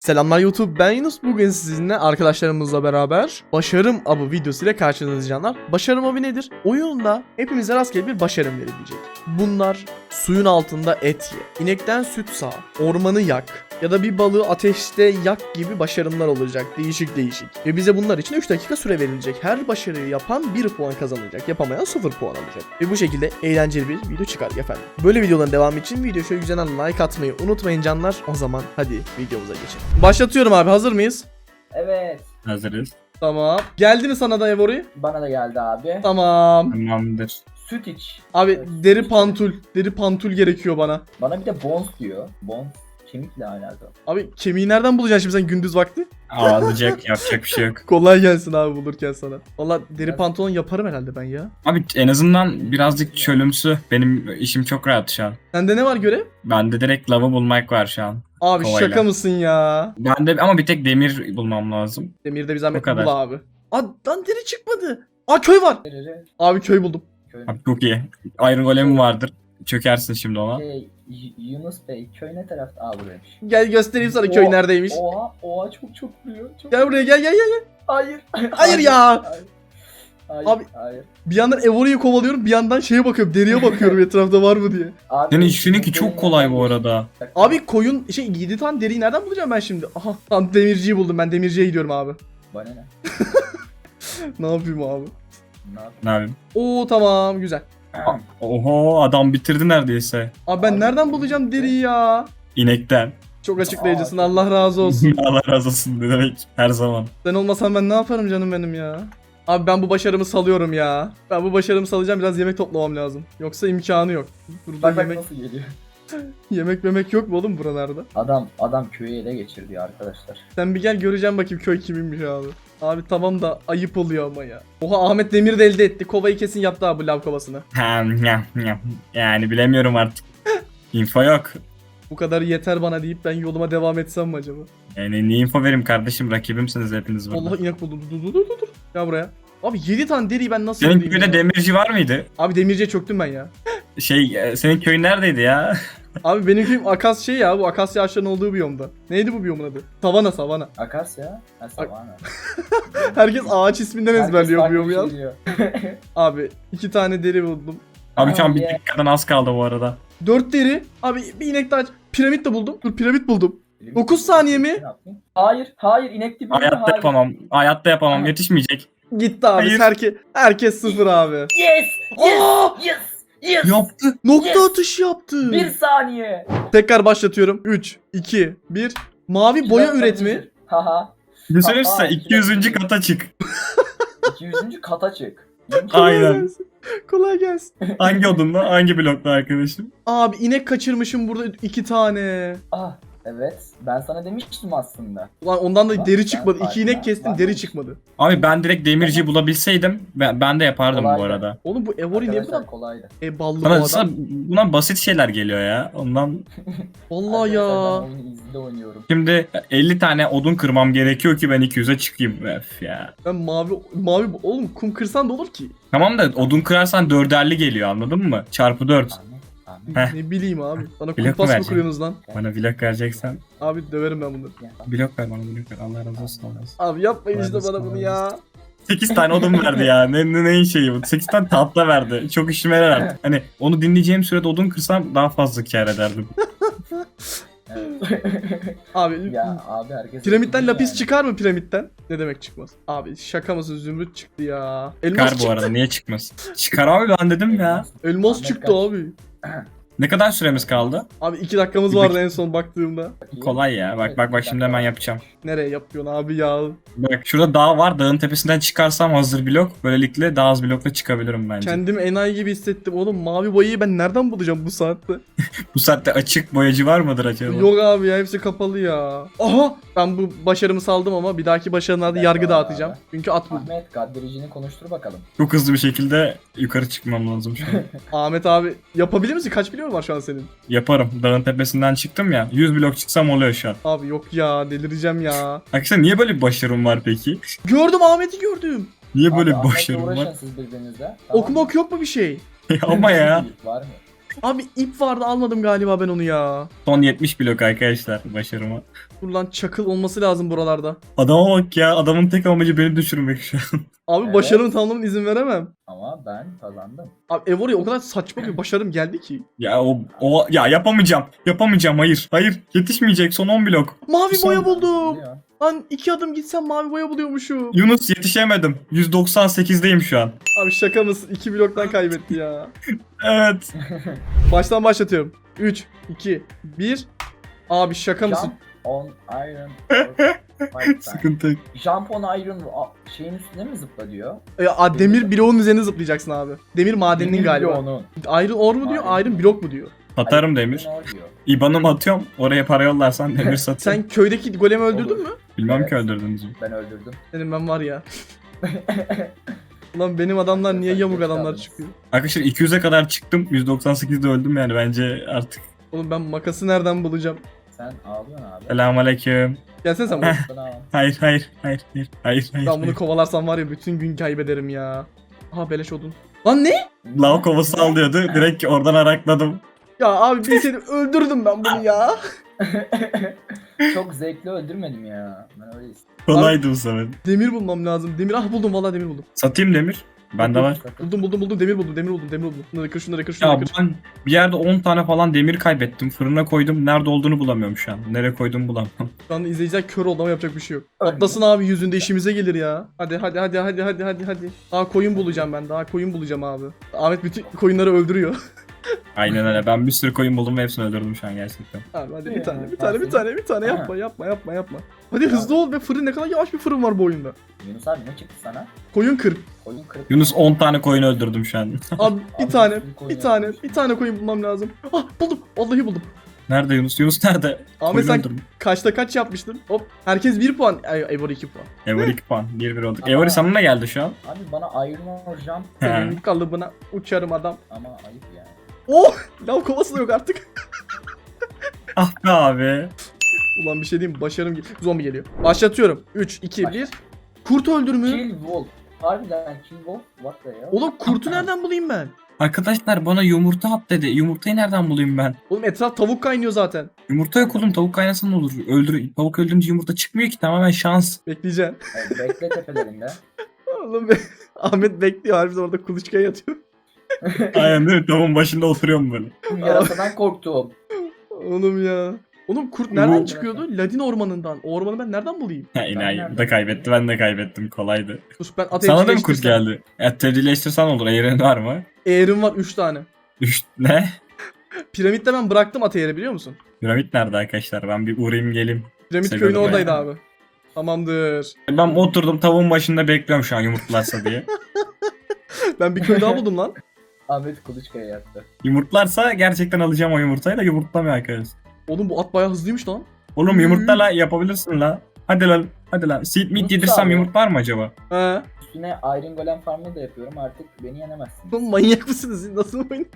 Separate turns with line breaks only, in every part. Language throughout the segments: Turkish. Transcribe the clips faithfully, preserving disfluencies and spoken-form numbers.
Selamlar YouTube, ben Yunus. Bugün sizinle arkadaşlarımızla beraber Başarım Avı videosu ile karşınızdayız canlar. Başarım Avı nedir? Oyunda hepimize rastgele bir başarım verilecek. Bunlar suyun altında et ye, inekten süt sağ, ormanı yak ya da bir balığı ateşte yak gibi başarımlar olacak. Değişik değişik. Ve bize bunlar için üç dakika süre verilecek. Her başarıyı yapan bir puan kazanacak. Yapamayan sıfır puan alacak. Ve bu şekilde eğlenceli bir video çıkar efendim. Böyle videoların devamı için video şöyle güzel like atmayı unutmayın canlar. O zaman hadi videomuza geçelim. Başlatıyorum abi, hazır mıyız?
Evet.
Hazırız.
Tamam. Geldi mi sana da Evori?
Bana da geldi abi.
Tamam.
Tamamdır.
Süt iç.
Abi
Evet,
deri
süt
pantul. Deri pantul gerekiyor bana.
iç. Bana bir de bones diyor. Bones kemikle alakalı.
Abi kemiği nereden bulacaksın şimdi sen gündüz vakti?
Ağlayacak, yapacak bir şey yok.
Kolay gelsin abi bulurken sana. Valla deri
Evet.
pantolon yaparım herhalde ben ya.
Abi en azından birazcık çölümsü. Benim işim çok rahat şu an.
Sende ne var görev?
Bende direkt lava bulmak var şu an.
Abi
Kovayla.
şaka mısın ya?
Bende ama bir tek demir bulmam lazım.
Demirde bir zahmet
O kadar.
bul abi. Aa lan deri çıkmadı. Aa köy var.
Nereye?
Abi köy buldum.
Köy.
Abi çok iyi. Iron Golem vardır. Çökersin şimdi ona.
Şey, Y- Yunus Bey köy ne tarafta? Aa buraymış.
Gel göstereyim sana köy
Oha,
neredeymiş.
Oha oha çok çok vuruyor. Çok...
Gel buraya gel gel gel. gel.
Hayır.
Hayır ya.
Hayır. Hayır.
Abi-
Hayır.
Bir yandan Evori'yi kovalıyorum, bir yandan şeye bakıyorum, deriye bakıyorum etrafta var mı diye.
Abi,
Senin işinki çok kolay bu arada.
Abi koyun şey yedi tane deriyi nereden bulacağım ben şimdi? Aha tam demirciyi buldum, ben demirciye gidiyorum abi.
Bana ne?
Ne yapayım abi?
Ne yapayım?
Ne yapayım?
Oo tamam güzel.
Oho, adam bitirdi neredeyse.
Abi ben
Abi,
nereden bulacağım deriyi ya?
İnekten.
Çok açıklayıcısın, Allah razı olsun.
Allah razı olsun ne demek her zaman.
Sen olmasan ben ne yaparım canım benim ya? Abi ben bu başarımı salıyorum ya. Ben bu başarımı salacağım, biraz yemek toplamam lazım. Yoksa imkanı yok. Burada
Bak bak
yemek
nasıl geliyor.
yemek memek yok mu oğlum buralarda?
Adam adam köyü ele geçirdi arkadaşlar.
Sen bir gel göreceğim bakayım köy kiminmiş abi. Abi tamam da ayıp oluyor ama ya. Oha Ahmet Demir de elde etti. Kovayı kesin yaptı abi lav kovasını.
Hem, hem, hem. Yani bilemiyorum artık. Info yok.
Bu kadar yeter bana deyip ben yoluma devam etsem mi acaba?
Yani ne info vereyim kardeşim, rakibimsiniz hepiniz burada.
Allah inek buldum. Dur dur dur dur. dur. Gel buraya. Abi yedi tane deriyi ben nasıl
Senin
bulayım
köyde
ya?
demirci var mıydı?
Abi demirciye çöktüm ben ya.
Şey, e, senin köyün neredeydi ya?
Abi benim köyüm akas şey ya, bu akasya ağaçlarının olduğu biyomda. Neydi bu biyomun adı? Savana savana.
Akasya. Ha savana.
Herkes ağaç isminden ezberliyor
Herkes
biyomu ya.
farklı bir şey diyor.
Abi iki tane deri buldum.
Abi şu an
Abi
bir
ya.
dakikadan az kaldı bu arada.
Dört deri. Abi bir inek daha. Piramit de buldum. Dur piramit buldum. dokuz saniye mi?
Ne yapayım? Hayır, hayır inek dibinde
Hayatta
hayır.
yapamam. Hayatta yapamam.
Aha.
Yetişmeyecek.
Gitti abi.
Hayır.
Herke, herkes sıfır abi.
Yes! Yes!
Aa!
Yes! Yes!
Yaptı.
Nokta
Yes.
atışı yaptı.
Bir saniye.
Tekrar başlatıyorum. üç, iki, bir. Mavi boya üretimi.
Haha.
Ne söyleyeyim size?
Aa,
iki yüzüncü kata çık.
iki yüzüncü kata çık.
Kolay
Aynen.
gelsin. Kolay gelsin.
Hangi odunla? Hangi blokla arkadaşım?
Abi inek kaçırmışım burada iki tane.
Ah evet. Ben sana demiştim aslında.
Ulan ondan da
Bak,
deri
ben
çıkmadı. İki
farkına
inek kestim,
varmamışım.
deri çıkmadı.
Abi ben direkt demirciyi bulabilseydim ben, ben de yapardım bu
Kolaydı.
arada.
Oğlum bu Evori niye bu
Arkadaşlar
kadar
kolaydı.
e, ballı bu
Bana,
adam?
sana, buna basit şeyler geliyor ya. Ondan
Vallahi
Arkadaşlar,
ya.
Ben oyunu izle oynuyorum.
şimdi elli tane odun kırmam gerekiyor ki ben iki yüze çıkayım. Öf ya.
Ben mavi mavi oğlum kum kırsan da olur ki.
Tamam da odun kırarsan dörderli geliyor, anladın mı? Çarpı dört.
Ahmet, Ahmet.
Heh.
Ne bileyim abi. Bana
Blok mu
kumpas mı
vereceksin?
kuruyorsunuz lan?
Bana blok vereceksen
Abi döverim ben bunları.
Ya,
blok ver, bana blok ver. Allah razı olsun. Allah razı olsun.
Abi yapmayın işte
Mühendis
bana bunu ya.
sekiz tane odun verdi ya. Ne, ne, neyin şeyi bu? sekiz tane tahta verdi. Çok işime yarar artık. Hani onu dinleyeceğim sürede odun kırsam daha fazla kâr ederdim.
evet.
Abi
Ya abi herkes...
piramitten lapis
yani.
çıkar mı piramitten? Ne demek çıkmaz? Abi şaka mısın, zümrüt çıktı ya. Elmas
Çıkar
çıktı.
bu arada, niye çıkmasın? Çıkar abi, ben dedim ya.
Elmas
Ahmet
çıktı
kaç?
abi.
Ne kadar süremiz kaldı?
Abi iki dakikamız
Bir
vardı
dakika.
en son baktığımda.
Kolay ya. Bak bak bak şimdi hemen yapacağım.
Nereye yapıyorsun abi ya?
Bak şurada dağ var. Dağın tepesinden çıkarsam hazır blok. Böylelikle daha az blokla çıkabilirim bence.
Kendimi enayi gibi hissettim oğlum. Mavi boyayı ben nereden bulacağım bu saatte?
Bu saatte açık boyacı var mıdır acaba?
Yok abi ya, hepsi kapalı ya. Aha! Ben bu başarımı saldım ama bir dahaki başarılarda
Ben
yargı
de
dağıtacağım.
abi.
Çünkü at buldum.
Ahmet gaddiricini konuştur bakalım.
Çok hızlı bir şekilde yukarı çıkmam lazım şu an.
Ahmet abi yapabilir misin? Kaç biliyor var şu an senin?
Yaparım. Dağın tepesinden çıktım ya. yüz blok çıksam oluyor şu an.
Abi yok ya, delireceğim ya.
Arkadaşlar niye böyle bir başarım var peki?
Gördüm, Ahmet'i gördüm.
Niye böyle
Abi,
bir
Ahmet'le
başarım
uğraşın
var?
siz birbirinizle.
Ok mok yok mu bir şey?
Ama ya.
Var mı?
Abi ip vardı almadım galiba ben onu ya.
Son yetmiş blok arkadaşlar başarıma.
Dur lan çakıl olması lazım buralarda.
Adama bak ya, adamın tek amacı beni düşürmek şu an.
Abi
Evet.
başarımı tamamlamama izin veremem.
Ama ben kazandım.
Abi ev oraya o kadar saçma bir başarım geldi ki.
Ya o, o ya yapamayacağım. Yapamayacağım, hayır. Hayır, yetişmeyecek, son on blok.
Mavi
Son-
boya buldum.
Ya.
Lan iki adım gitsem mavi boya buluyormuşum.
Yunus, yetişemedim. yüz doksan sekizdeyim şu an.
Abi şaka mısın? iki bloktan kaybetti ya.
Evet.
Baştan başlatıyorum. üç, iki, bir. Abi şaka mısın?
Jump on iron. Five times.
Sıkıntı yok.
Jump on iron a- şeyin üstüne mi zıpla diyor?
E, a, demir bloğun üzerine zıplayacaksın abi. Demir madeninin
Demir
galiba.
bloğunun.
Iron ore mu diyor,
Maden.
iron blok mu diyor?
Atarım
Iron
demir.
ore diyor.
İban'ımı atıyorum. Oraya para yollarsan demir satayım.
Sen köydeki golemi öldürdün
Olur.
mü?
Bilmem
Evet.
ki öldürdünüz mü?
Ben öldürdüm.
Senin ben var ya. Ulan benim adamlar niye yamuk adamlar çıkıyor?
Arkadaşlar iki yüze kadar çıktım. yüz doksan sekizde öldüm yani, bence artık.
Oğlum ben makası nereden bulacağım?
Sen ağlıyorsun abi.
Selamünaleyküm.
Gelsene sen buraya.
Bana al.
Hayır hayır hayır hayır hayır hayır.
Ben bunu
hayır.
kovalarsam var ya bütün gün kaybederim ya. Aha beleş odun. Lan ne?
Lav kovası alıyordu. Direkt oradan arakladım.
Ya abi bir seni öldürdüm ben bunu ya.
Çok zevkli öldürmedim ya. Ben öyle istedim.
Kolaydı bu sefer.
Demir bulmam lazım. Demir ah buldum vallahi demir buldum.
Satayım demir. Bende var.
Buldum buldum buldum demir buldum demir buldum demir buldum. Şunları kır şunları kır
Ya
şunları kır.
ben bir yerde on tane falan demir kaybettim. Fırına koydum. Nerede olduğunu bulamıyorum şu an. Nereye koydum bulamam.
Şu anda izleyiciler kör oldu ama yapacak bir şey yok.
Ölmüyor.
Atlasın abi yüzünde işimize gelir ya. Hadi hadi hadi hadi hadi hadi hadi. Daha koyun bulacağım ben. Daha koyun bulacağım abi. Ahmet bütün koyunları öldürüyor.
Aynen öyle. Ben bir sürü koyun buldum ve hepsini öldürdüm şu an gerçekten.
Abi hadi bir
Ya,
tane bir
ben
tane bir
seni-
tane bir tane yapma yapma yapma yapma. Hadi hızlı ol be, fırın ne kadar yavaş bir fırın var bu oyunda.
Yunus abi ne çıktı sana?
Koyun kır.
Koyun kırık.
Yunus on tane koyun öldürdüm şu an.
Abi bir
Abi
tane
nasıl bir koyun
bir tane
yapmış?
bir tane koyun bulmam lazım. Ah buldum vallahi buldum.
Nerede Yunus? Yunus nerede?
Ahmet
Koyun
sen
öldürdüm.
kaçta kaç yapmıştın? Hop herkes bir puan. Ay Evo iki puan.
Evori iki puan. bir bir olduk.
Ama-
Evori sana ne geldi şu an?
Abi bana iron ore jump
He.
Senin kalıbına uçarım adam.
ama ayıp yani.
Oh! Lav kovası da yok artık.
Ah be abi.
Ulan bir şey diyeyim mi? Başarım gel- zombi geliyor. Başlatıyorum. üç, iki,
Başla.
bir. Kurt öldürmü.
Kill wolf. Harbiden kill wolf. What the hell?
Oğlum kurtu nereden bulayım ben?
Arkadaşlar bana yumurta at dedi. Yumurtayı nereden bulayım ben?
Oğlum etraf tavuk kaynıyor zaten.
Yumurta yok oğlum. Tavuk kaynasa ne olur? Öldür. Tavuk öldürünce yumurta çıkmıyor ki. Tamamen şans.
Bekleyeceğim.
Evet, bekle tepelerinde.
Oğlum be. Ahmet bekliyor harbiden orada kuluçkaya yatıyor.
Aynen değil mi? Tavuğun başında oturuyorum böyle.
Yarasadan korktum.
Oğlum ya. Oğlum kurt nereden
Bu-
çıkıyordu? Ladin ormanından. O ormanı ben nereden bulayım?
Ha inayi.
nereden
Bu da kaybetti. Ben de kaybettim. Kolaydı.
Dur ben at
Sana da mı kurt
evcilleştirsem.
geldi? Et evcilleştirsen olur. Eğren var mı?
Eğerim var üç tane.
Üç ne?
Piramitte ben bıraktım at eğeri biliyor musun?
Piramit nerede arkadaşlar? Ben bir uğrayayım geleyim.
Piramit
Seviyorum
köyün oradaydı
ya.
abi. Tamamdır.
Ben oturdum tavuğun başında bekliyorum şu an yumurtlarsa diye.
Ben bir köy daha buldum lan.
Ahmet kuluçkaya yattı.
Yumurtlarsa gerçekten alacağım o yumurtayı da yumurtlamıyor arkadaşlar.
Oğlum bu at bayağı hızlıymış lan.
Oğlum yumurtla la yapabilirsin la. Hadi lan. Hadi lan. Seed meat
Yumurta
yedirsem
abi.
yumurtlar mı acaba?
He.
Üstüne iron golem farmı da yapıyorum. Artık beni yenemezsin.
Oğlum manyak mısınız siz? Nasıl oyun?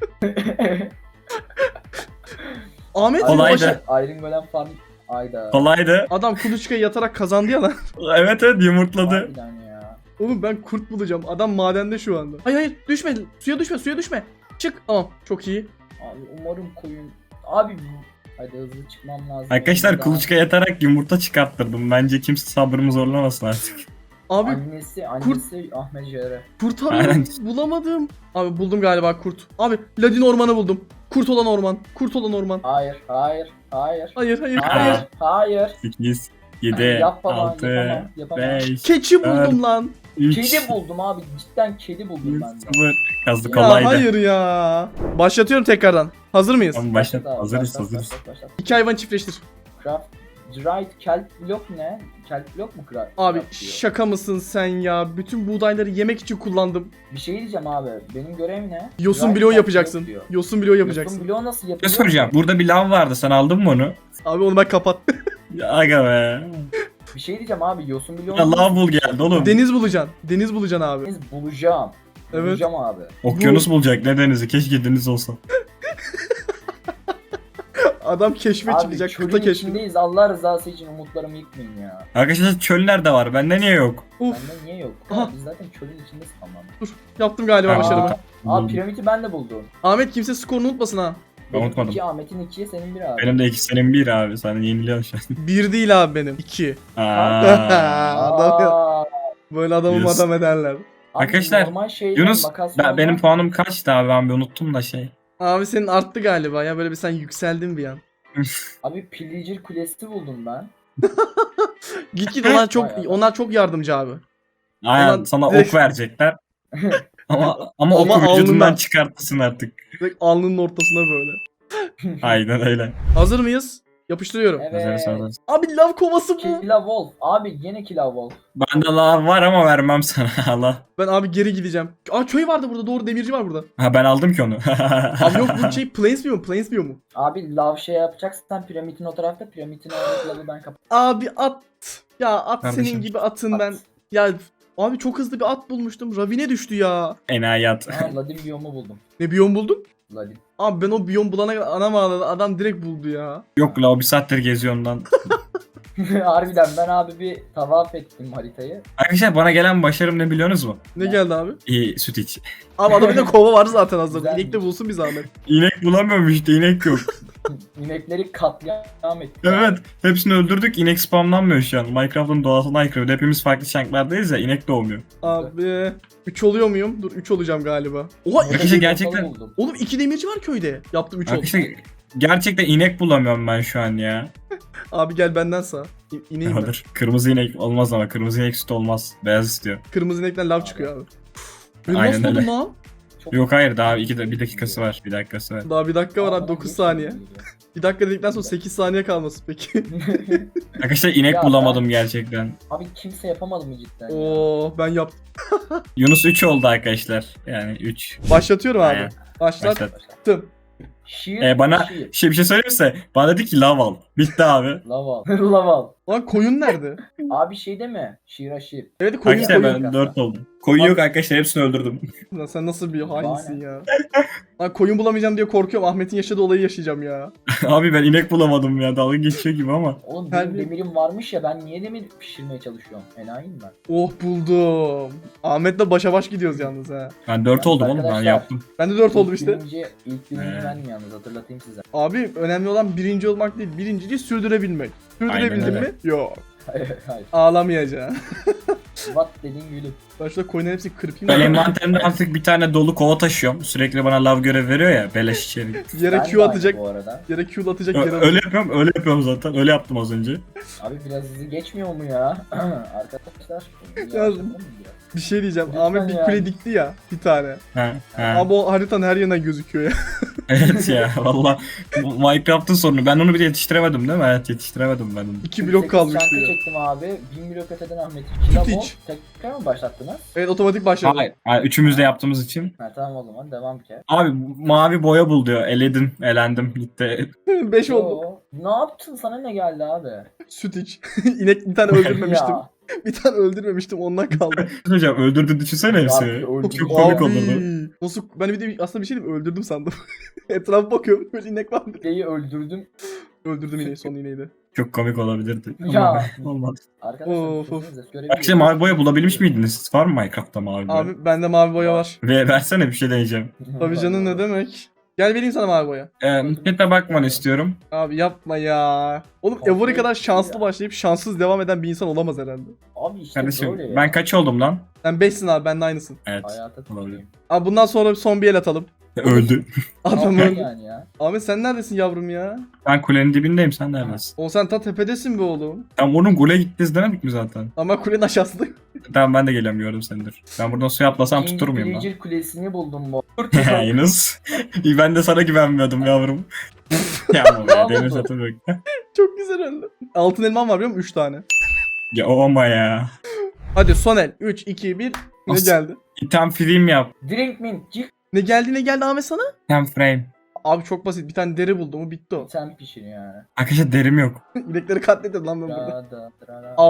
Ahmet senin
Kolaydı.
başa-
Iron golem farm ayda.
Kolaydı.
Adam kuluçkaya yatarak kazandı ya lan.
Evet evet yumurtladı.
Harbiden ya.
Oğlum ben kurt bulacağım. Adam madende şu anda. Hayır hayır düşme. Suya düşme suya düşme. Çık. Tamam çok iyi.
Abi umarım koyun. Abi hadi hızlı çıkmam lazım.
Arkadaşlar
Daha-
kuluçka yatarak yumurta çıkarttırdım. Bence kimse sabrımı zorlamasın artık.
Abi
Annesi, annesi Ahmet Jere.
kurt
Aynen.
arıyorum. Bulamadım. Abi buldum galiba kurt. Abi Ladin ormanı buldum. Kurt olan orman. Kurt olan orman.
Hayır, hayır, hayır.
Hayır hayır
Hayır,
hayır.
hayır.
sekiz, yedi,
Yapamam,
altı,
yapamam, yapamam.
beş,
Keçi
dört,
buldum lan.
üç,
Kedi buldum abi. Cidden kedi buldum ben de.
sıfır. Kazdı
Ya
kolaydı.
hayır ya. Başlatıyorum tekrardan. Hazır mıyız?
Tamam başlat.
Başlat abi,
Hazırız
başlat,
hazırız.
başlat, başlat.
İki hayvan çiftleştir.
Craft. Dried kelp blok ne? Kelp blok mu craft?
Abi
craft diyor?
şaka mısın sen ya? Bütün buğdayları yemek için kullandım.
Bir şey diyeceğim abi. Benim görevim ne?
Yosun
Dried
bloğu
kelp
yapacaksın.
blok diyor.
Yosun bloğu yapacaksın.
Yosun bloğu nasıl
Ne
yapılıyor?
soracağım? Burada bir lav vardı. Sen aldın mı onu?
Abi onu ben kapat.
Ya aga be.
Bir şey diyeceğim abi. Yosun bloğu
Ya lav bul geldi oğlum.
Deniz bulacaksın. Deniz bulacaksın abi.
Deniz bulacağım.
Evet.
Bulacağım abi.
Okyanus bulacak ne denizi. Keşke deniz olsa.
Adam keşfe
Abi
çıkacak.
çölün
Kıta keşfi.
içindeyiz. Allah rızası için umutlarımı yıkmayın ya.
Arkadaşlar çöller de var. Bende niye yok?
Uf.
Bende niye yok?
Aha.
Aa, biz zaten çölün içindeyiz tamam.
Dur. Yaptım galiba
Aa.
başarımı.
Aa piramidi ben de buldum.
Ahmet kimse skorunu unutmasın ha.
Ben unutmadım.
İki Ahmet'in ikiye senin bir abi.
Benim de iki senin bir abi. Sen yeniliyorsun şu
Bir değil abi benim. İki.
an. Aa.
Adam ya.
Aa,
Böyle adamı
Yunus.
adam ederler.
abi
Arkadaşlar,
normal şeyden
Yunus
makas
ben,
olmaz.
benim puanım kaçtı abi, ben bir unuttum da şey.
Abi senin arttı galiba ya, böyle bir sen yükseldin bir an.
Abi Pillager Kulesi buldum ben.
Git git onlar çok
Bayağı.
onlar çok yardımcı abi.
Aynen
Ulan
sana
direkt-
ok verecekler. ama ama
Ama
oku
alnından.
vücudundan çıkartırsın artık.
Direkt alnının ortasına böyle.
Aynen öyle.
Hazır mıyız? Yapıştırıyorum.
Evet.
Hazırız, hazırız.
Abi lav kovası bu.
Killa Wolf. Abi yine Killa Wolf.
Bende lav var ama vermem sana Allah.
Ben abi geri gideceğim. Aa köy vardı burada, doğru, demirci var burada.
Ha ben aldım ki onu.
Abi yok bu şey Plains mu? Plains mu?
Abi lav şey yapacaksan piramidin o tarafta, piramidin oradaki lavı ben kapat.
Abi at. Ya at
Kardeşim.
senin gibi atın
At.
ben. Ya abi çok hızlı bir at bulmuştum. Ravine düştü ya.
Enayi at.
Aa Ladin biyomu buldum.
Ne biyom buldun?
Ladin.
Abi ben o biyom bulana kadar anam ağladı. Adam direkt buldu ya.
Yok la o bir saattir geziyor ondan.
Harbiden ben abi bir tavaf ettim haritayı.
Arkadaşlar bana gelen başarım ne biliyorsunuz mu?
Ne
Ne?
geldi abi?
İyi süt iç.
Abi adamın da kova var zaten hazır.
Güzelmiş.
İnek de bulsun bir zahmet.
İnek bulamıyorum işte, inek yok.
İnekleri katliam ettim.
Evet, hepsini öldürdük, inek spamlanmıyor şu an. Minecraft'ın doğasına aykırı. Bir de hepimiz farklı şanklardayız ya, inek doğmuyor.
Abi üç oluyor muyum? Dur üç olacağım galiba. Oha
Arkadaşlar
iki...
gerçekten-
Buldum.
Oğlum iki demirci var köyde. Yaptım üç oldu.
Arkadaşlar gerçekten inek bulamıyorum ben şu an ya.
Abi gel benden sağ. İ- İneyim ben.
Dur, kırmızı inek olmaz ama kırmızı inek süt olmaz. Beyaz istiyor.
Kırmızı inekten lav çıkıyor abi. Ben
Aynen
nasıl buldum
öyle.
lan?
Çok-
Yok hayır, daha iki de, bir dakikası var. Bir dakikası var.
Daha bir dakika var
Aa,
abi
bana
dokuz
niye
saniye.
şöyle
Bir dakika dedikten sonra sekiz saniye kalması peki.
geliyor?
Arkadaşlar inek
Ya
bulamadım gerçekten.
Abi kimse yapamadı mı cidden? ya?
Oo ben yaptım.
Yunus üç oldu arkadaşlar. Yani üç.
Başlatıyorum abi.
Aynen.
Başlattım.
Başlat.
Şiir,
Ee, bana
şiir.
şey bir şey söyleyeyim mi size? Bana dedi ki lav al. Bitti abi.
Laval. Laval.
Lan koyun nerede?
Abi şey deme. Şiir şiir.
Evet koyun
Arkadaşlar
koyun.
ben dört oldum. Koyun yok arkadaşlar, hepsini öldürdüm.
Lan sen nasıl bir hainsin
Bana.
ya. Lan koyun bulamayacağım diye korkuyorum. Ahmet'in yaşadığı olayı yaşayacağım ya.
Abi ben inek bulamadım ya, dalga geçiyor gibi ama.
Oğlum
Her
benim
bir-
demirim varmış ya, ben niye demir pişirmeye çalışıyorum? Enayiyim ben.
Oh buldum. Ahmet'le başa baş gidiyoruz yalnız ha.
Ben dört
Yalnız
oldum oğlum, ben
arkadaşlar-
yaptım.
Ben de dört oldum
İlk
işte.
Birinci, ilk birinci
Ee.
benim yalnız, hatırlatayım size.
Abi önemli olan birinci olmak değil. Birinciliği sürdürebilmek. Sürdürebildin
Aynen öyle.
mi? Yok.
Hayır hayır.
Ağlamayacaksın.
What dedin gülüm.
Ben şurada koyunların hepsini kırpayım.
Ben
da
envanterimde artık bir tane dolu kova taşıyorum. Sürekli bana lav görev veriyor ya, beleş içeri.
Yere
Ben
Q
de aynı
atacak.
bu arada.
Yere Q atacak
Ö-
yere
öyle yapıyorum, öyle yapıyorum zaten. Öyle yaptım az önce.
Abi biraz hızlı geçmiyor mu ya? Arkadaşlar.
Ya-
yavaşlatalım mı biraz?
Bir şey diyeceğim.
Lütfen
Ahmet bir
ya.
kule dikti ya. Bir tane.
Ha, ha.
Ama o haritanın her yerine gözüküyor ya.
Evet ya valla. Minecraft'ın sorunu. Ben onu bir de yetiştiremedim değil mi? Evet, yetiştiremedim ben onu.
İki blok
sekiz
kalmış
şarkı
diyor.
çektim abi. bin blok öteden Ahmet. Kila
Süt
bol.
iç.
Tekrar mı başlattınız?
Evet otomatik başladı.
Hayır. hayır, üçümüz de yaptığımız için.
Ha tamam o zaman devam bir kere.
Abi mavi boya bul diyor. Eledim, elendim. Gitti.
beş oldu.
Yo, ne yaptın, sana ne geldi abi?
Süt iç. İnek bir tane öldürmemiştim.
Ya.
Bir tane öldürmemiştim ondan kaldı.
Hocam öldürdü, düşünsene
Abi,
hepsini.
öldürdü.
Çok komik
Abi,
olurdu.
Nasıl ben bir de aslında bir şey diyeyim mi? Öldürdüm sandım. Etrafa bakıyorum böyle inek var mı?
Şeyi öldürdüm.
Öldürdüm ineği, son ineği de.
Çok komik olabilirdi.
Ya.
Ama olmadı.
Arkadaşlar
Of, of.
sesinize görebiliyorum.
Arkadaşlar mavi boya bulabilmiş miydiniz? Var mı Minecraft'ta mavi boya?
Abi bende mavi boya var.
Ve versene, bir şey deneyeceğim.
Tabii canım ne demek? Gel vereyim sana mavi boya.
Ee, chat'e bakmanı istiyorum.
Abi yapma ya. Oğlum
Kontrol
Evori kadar şanslı
ya.
başlayıp şanssız devam eden bir insan olamaz herhalde.
Abi işte
Kardeşim
böyle ya.
ben kaç oldum lan?
Sen beşsin abi, ben de aynısın.
Evet.
Hayata
Olabilir.
tutayım.
Abi bundan sonra son bir el atalım.
Öldü.
Adam
Ne
öldü.
yani ya?
Ahmet sen neredesin yavrum ya?
Ben kulenin dibindeyim, sen neredesin?
O sen ta tepedesin be oğlum.
Tam onun gole gittiniz demedik mi zaten?
Ama kulenin aşağısında.
Tamam ben de geliyorum, gördüm seni, dur. Ben buradan suya atlasam
İkinci
tutur muyum lan?
Pillager Kulesi'ni buldum bu.
Yunus. İyi, ben de sana güvenmiyordum yavrum. ya ama
Ne
be,
oldu?
demir satı yok.
Çok güzel öldü. Altın elmam var biliyor musun? üç tane.
Ya o ama ya.
Hadi son el. üç, iki, bir. Ne
As-
geldi?
İtem film yap.
Drink mint. Cik.
Ne geldi ne geldi Ahmet sana?
İtem frame.
Abi çok basit. Bir tane deri buldum. O bitti o.
Sen pişir yani.
Arkadaşlar derim yok.
İnekleri katledim lan ben burada.
Da, da, da, da.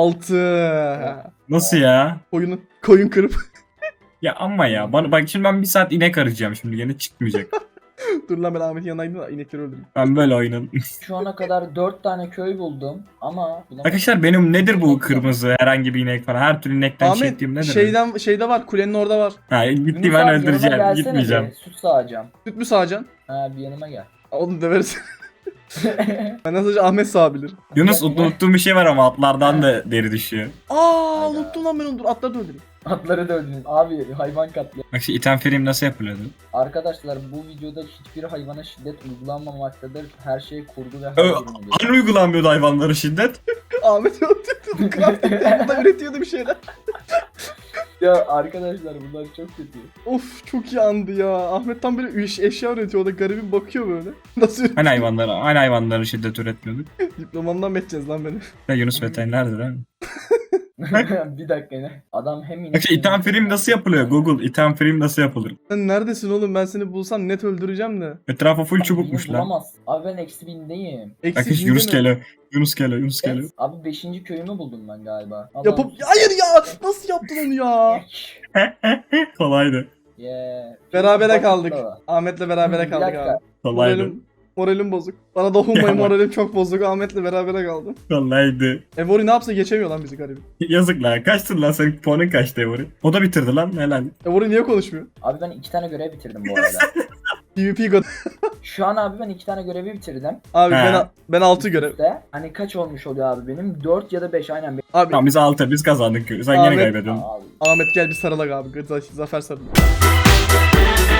altı.
Nasıl ya?
Koyunu, koyun kırıp.
Ya ama ya. Bana, bak şimdi ben bir saat inek arayacağım şimdi, gene çıkmayacak.
Dur lan ben Ahmet'in yanına gideyim de inekleri öldüreyim.
Ben böyle oynadım.
Şu ana kadar dört tane köy buldum ama bulamadım.
Arkadaşlar benim nedir bu kırmızı herhangi bir inek falan? Her türlü inekten
Ahmet
çektiğim nedir?
şeyden şeyde var, kulenin orada var.
Ha gitti
Yunus
ben
abi, yanıma
öldüreceğim.
gelsene
Gitmeyeceğim.
bir, Süt sağacağım.
Süt mü sağacaksın?
Ha bir yanıma gel.
Onu döveriz. Ben sadece Ahmet sağabilir.
Yunus
Gel, gel.
unuttuğum bir şey var ama atlardan da deri düşüyor.
Aa
Hayda.
unuttum lan ben onu, dur atları da öldüreyim.
Atları da öldünüz. Abi hayvan katli.
Bak şu item frame nasıl yapılıyordu?
Arkadaşlar bu videoda hiçbir hayvana şiddet uygulanmamaktadır. Her şey kurgu ve
Ö,
hayal ürünüdür.
Hani uygulanmıyordu hayvanlara şiddet?
Ahmet öldürdü. Crafting da üretiyordu bir şeyler.
Ya arkadaşlar bunlar çok kötü.
Of çok iyi andı ya. Ahmet tam böyle iş, eşya üretiyor, o da garibim bakıyor böyle. Nasıl üretiyor?
Hani hayvanlara, hani hayvanlara şiddet üretmiyorduk?
Diplomamdan mı edeceğiz lan beni?
Ya Yunus veterinerdir değil mi?
Bir dakika ne? Adam hem
Bak şu item frame nasıl yapılıyor? Google item frame nasıl yapılır?
Sen neredesin oğlum, ben seni bulsam net öldüreceğim de.
Etrafa full
Beni
çubukmuş lan.
bulamaz. Abi ben eksi bindeyim.
Bak
Eksi
hiç Yunus
binde mi?
geliyor. Yunus geliyor, Yunus geliyor.
Evet, abi beşinci köyümü buldum ben galiba. Allah'ım.
Yapıp... Hayır ya! Nasıl yaptın onu ya?
Kolaydı.
Yeah.
Berabere
Bak-
kaldık.
Bak-
Ahmet'le berabere
Bir
kaldık
dakika.
abi.
Kolaydı.
Moralim, moralim bozuk. Bana dokunmayın,
Ya.
moralim çok bozuk. Ahmet'le berabere kaldım.
Kolaydı.
Evori ne yapsa geçemiyor lan bizi garibim.
Yazık lan. Kaçtın lan senin puanın kaçtı Evori? O da bitirdi lan. Helal.
Evori niye konuşmuyor?
Abi ben iki tane görev bitirdim bu arada.
PvP god.
Şu an abi ben iki tane görevi bitirdim.
Abi
He.
ben ben altı görev.
İşte hani kaç olmuş oluyor abi benim? dört ya da beş aynen.
Abi
Tamam biz altı. Biz kazandık. Sen
Ahmet-
yine kaybediyorsun.
Abi.
Ahmet gel bir sarıla abi. Zafer sarıla.